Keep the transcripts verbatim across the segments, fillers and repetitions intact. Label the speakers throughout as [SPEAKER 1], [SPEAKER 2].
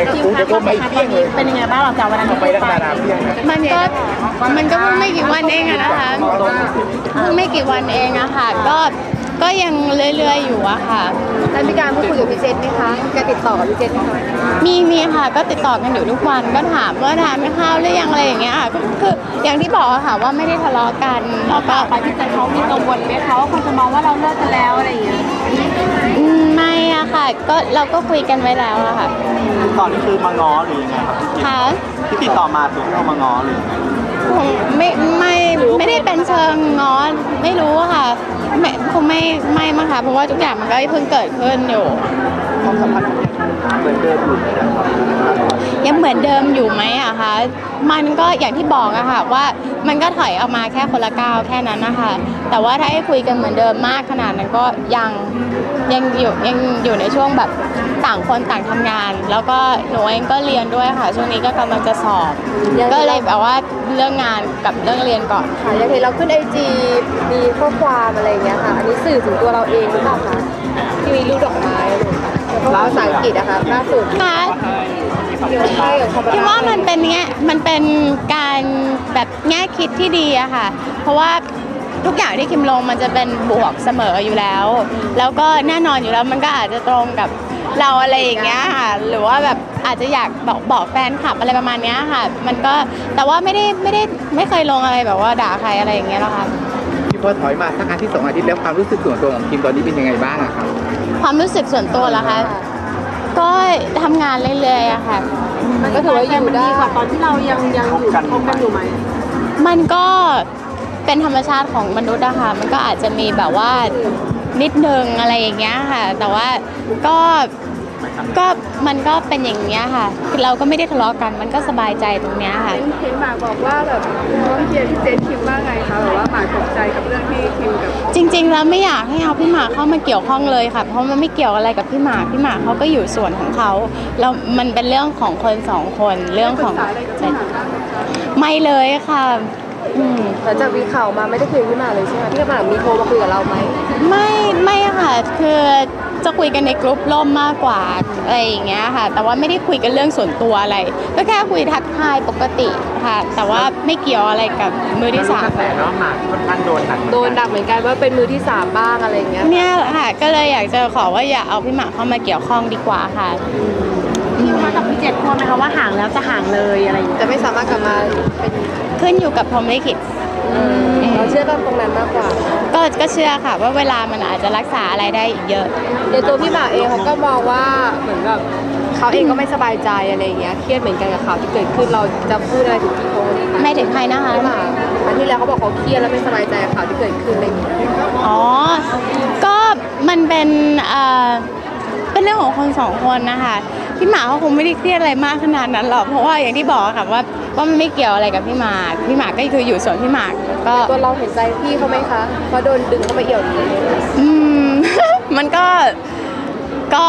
[SPEAKER 1] ทีมคะความสัมพันธ์ตอนนี้เป็นยังไงบ้างหลังจากวันนั้นที่ไป
[SPEAKER 2] มันก็มันก็เพิ่งไม่กี่วันเองอะนะคะเพิ่งไม่กี่วันเองอะค่ะก็ก็ยังเรื่อยๆอยู่อะค่ะ
[SPEAKER 3] แล้วมีการพูดคุยกับพี่เจษไหมคะการติดต่อกับพี่เจษไหมคะ
[SPEAKER 2] มีมีค่ะก็ติดต่อกันอยู่ทุกวันก็ถามว่าทานข้าวหรือยังอะไรอย่างเงี้ยค่ะคืออย่างที่บอกอะค่ะว่าไม่ได้ทะเลาะกันแล้วก็
[SPEAKER 1] ไปพี่เจษเขามีกังวลไหมคะว่าคนจะมองว่าเราเลิกกันแล้วอะไรอย่างเงี้ย
[SPEAKER 2] ไม่อะค่ะก็เราก็คุยกันไว้แล้วอะค่ะ
[SPEAKER 4] ตอนนี้คือมาง้อหรือยังไงครับ
[SPEAKER 2] ค่ะ
[SPEAKER 4] ที่ติดต่อมาคือเขามาง้อหรือยังไง
[SPEAKER 2] ไม่ไม่ไม่ได้เป็นเชิงง้อไม่รู้ค่ะไม่คงไม่ไม่มั้งค่ะเพราะว่าทุกอย่างมันก็เพิ่งเกิดขึ้นอยู่
[SPEAKER 4] ความสัมพันธ์เหมือนเดิมอยู่ไหมครับ
[SPEAKER 2] ยังเหมือนเดิมอยู่ไหมอะคะมันก็อย่างที่บอกอะค่ะว่ามันก็ถอยออกมาแค่คนละก้าวแค่นั้นนะคะแต่ว่าถ้าให้คุยกันเหมือนเดิมมากขนาดนั้นก็ยังยังอยู่ยังอยู่ในช่วงแบบต่างคนต่างทำงานแล้วก็หนูเองก็เรียนด้วยค่ะช่วงนี้ก็กำลังจะสอบก็เลยแบบว่าเรื่องงานกับเรื่องเรียนก่อน
[SPEAKER 3] ค่ะอย่างเห็นเราขึ้นไอจีมีข้อความอะไรอย่างเงี้ยค่ะอันนี้สื่อถึงตัวเราเองหรือเปล่าคะที่มีรูปดอกไม้แล้วก็ภาษาอังกฤษอะค่ะล่าสุด
[SPEAKER 2] ค่ะคิดว่ามันเป็นเงี้ยมันเป็นการแบบแง่คิดที่ดีอะค่ะเพราะว่าทุกอย่างที่คิมลงมันจะเป็นบวกเสมออยู่แล้วแล้วก็แน่นอนอยู่แล้วมันก็อาจจะตรงกับเราอะไรอย่างเงี้ยค่ะหรือว่าแบบอาจจะอยากบอกบอกแฟนคลับอะไรประมาณนี้ค่ะมันก็แต่ว่าไม่ได้ไม่ได้ไม่เคยลงอะไรแบบว่าด่าใครอะไรอย่างเงี้ยหรอกค่ะ
[SPEAKER 5] ที่พอถอยมาสักอาทิตย์สองอาทิตย์แล้วความรู้สึกส่วนตัวของคิมตอนนี้เป็นยังไงบ้างอะครับ
[SPEAKER 2] ความรู้สึกส่วนตัวเหรอคะก็ทำงานเรื่อยๆอะค่ะ
[SPEAKER 3] มันก็ถือว่าอยู่ได้
[SPEAKER 1] กว่าตอนที่เรายังยังอยู่คบกันอยู่ไหม
[SPEAKER 2] มันก็เป็นธรรมชาติของมนุษย์อะค่ะมันก็อาจจะมีแบบว่านิดนึงอะไรอย่างเงี้ยค่ะแต่ว่าก็ก็มันก็เป็นอย่างเงี้ยค่ะคือเราก็ไม่ได้ทะเลาะกันมันก็สบายใจตรงเนี้ยค่ะ
[SPEAKER 3] เห็นหมากบอกว่าแบบน้องเกียร์พี่เจษคิมว่าไงคะแบบว่าหมากตกใจกับเรื่องที่คิมกับ
[SPEAKER 2] จริงๆแล้วไม่อยากให้เอาพี่หมากเข้ามาเกี่ยวข้องเลยค่ะเพราะมันไม่เกี่ยวอะไรกับพี่หมากพี่หมากเขาก็อยู่ส่วนของเขาแล้วมันเป็นเรื่องของคนสองคนเรื่องของไม่เลยค่ะ
[SPEAKER 3] หลังจากมีข่าวมาไม่ได้คุยกับพี่หมากเลยใช่ไหมพี่หมากมีโทรมาคุยกับเราไหม
[SPEAKER 2] ไม่ไม่ค่ะคือจะคุยกันในกลุ่มล่มมากกว่าอะไรอย่างเงี้ยค่ะแต่ว่าไม่ได้คุยกันเรื่องส่วนตัวอะไรก็แค่คุยทักทายปกติค่ะแต่ว่าไม่เกี่ยวอะไรกับมือที่สาม
[SPEAKER 4] แต่เนาะหมากค่อนข้างโดนหนัก
[SPEAKER 3] โดนหนักเหมือนกันว่าเป็นมือที่สามบ้างอะไรอย่างเงี้ย
[SPEAKER 2] เนี่ยค่ะก็เลยอยากจะขอว่าอย่าเอาพี่หมากเข้ามาเกี่ยวข้องดีกว่าค่ะ
[SPEAKER 1] พี่มากับพี่เจษกลัวไหมคะว่าห่างแล้วจะห่างเลยอะไรอย่างเงี้ย
[SPEAKER 3] จะไม่สามารถกลับมาเป็น
[SPEAKER 2] ขึ้นอยู่กับพรหมลิขิต
[SPEAKER 3] เราเชื่อตรงนั้นมากกว่า
[SPEAKER 2] ก็ก็เชื่อค่ะว่าเวลามันอาจจะรักษาอะไรได้อีกเยอะ
[SPEAKER 3] ในตัวพี่หมากเองเขาก็มองว่าเหมือนแบบเขาเองก็ไม่สบายใจอะไรอย่างเงี้ยเครียดเหมือนกันกับข่าวที่เกิดขึ้นเราจะพูดอะไรถึงพี่โค้ช
[SPEAKER 2] ไม่ถึงใครนะคะ
[SPEAKER 3] พี่หมากอันที่แล้วเขาบอกเขาเครียดแล้วไม่สบายใจกับข่าวที่เกิดขึ้นอะไรอย่างเงี้ย
[SPEAKER 2] อ๋อก็มันเป็นเอ่อเป็นเรื่องของคนสองคนนะคะพี่หมากเขาคงไม่ได้เครียดอะไรมากขนาดนั้นหรอกเพราะว่าอย่างที่บอกค่ะว่าว่ามันไม่เกี่ยวอะไรกับพี่หมากพี่หมากก็คืออยู่ส่วนพี่หมากก็
[SPEAKER 3] ตัวเราเห็นใจพี่เขาไหมคะเพราะโดนดึงเข้าไปเอี่ยวนี้
[SPEAKER 2] อืม มันก็ก็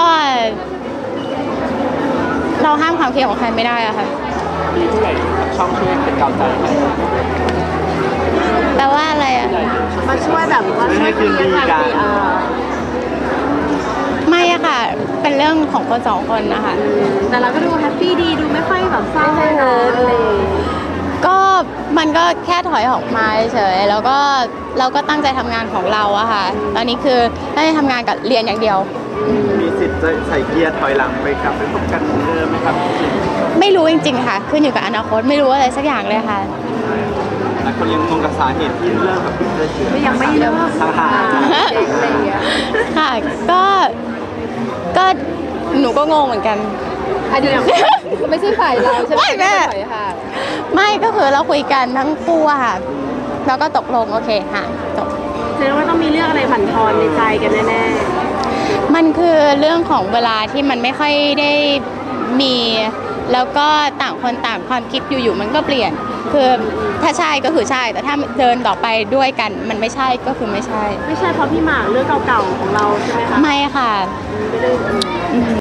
[SPEAKER 2] เราห้ามความคิดของใครไม่ได้อะค่ะ
[SPEAKER 4] มีผู้ใหญ่ช่องช่วยเป็นกำลังใจ
[SPEAKER 2] แปลว่าอะไรอะ
[SPEAKER 1] มาช่วยแบบว่าช่วยคืนดีกัน
[SPEAKER 2] ไม่อะค่ะเป็นเรื่องของคนสองคนนะคะ
[SPEAKER 1] แต่เราก็ดูแฮปปี้ดีดูไม่ค่อยแบบเศร้าเลย
[SPEAKER 2] ก็มันก็แค่ถอยออกมาเฉยแล้วก็เราก็ตั้งใจทำงานของเราอะค่ะตอนนี้คือตั้งใจทำงานกับเรียนอย่างเดียว
[SPEAKER 4] มีสิทธิ์จะใส่เกียร์ถอยหลังไปกลับไปพบกันเหมือนเดิมไหมครับ
[SPEAKER 2] ไม่รู้จริงๆค่ะขึ้นอยู่กับอนาคตไม่รู้อะไรสักอย่างเลยค่ะ
[SPEAKER 4] หลายคนยังงงกับสาเหตุที่เลิกกับพี่เจษ
[SPEAKER 1] ไม่ยังไม่เลิก
[SPEAKER 4] ห่าง
[SPEAKER 2] ๆค่ะก็ก็หนูก็งงเหมือนกัน
[SPEAKER 3] อันนี้ไม่ใช่ฝ่ายเราใช่ไหม
[SPEAKER 2] แม่ไม่ก็คือเราคุยกันทั้งคู่ค่ะแล้วก็ตกลงโอเคค่ะจบ
[SPEAKER 1] แสดงว่าต้องมีเรื่องอะไรบั่นทอนในใจกันแน่ๆ
[SPEAKER 2] มันคือเรื่องของเวลาที่มันไม่ค่อยได้มีแล้วก็ต่างคนต่างความคิดอยู่ๆมันก็เปลี่ยนคือถ้าใช่ก็คือใช่แต่ถ้าเดินต่อไปด้วยกันมันไม่ใช่ก็คือไม่ใช่
[SPEAKER 1] ไม่ใช่เพราะพี่หมากเรื่องเก่าๆของเราใช่ไหมคะ
[SPEAKER 2] ไม่ค่ะ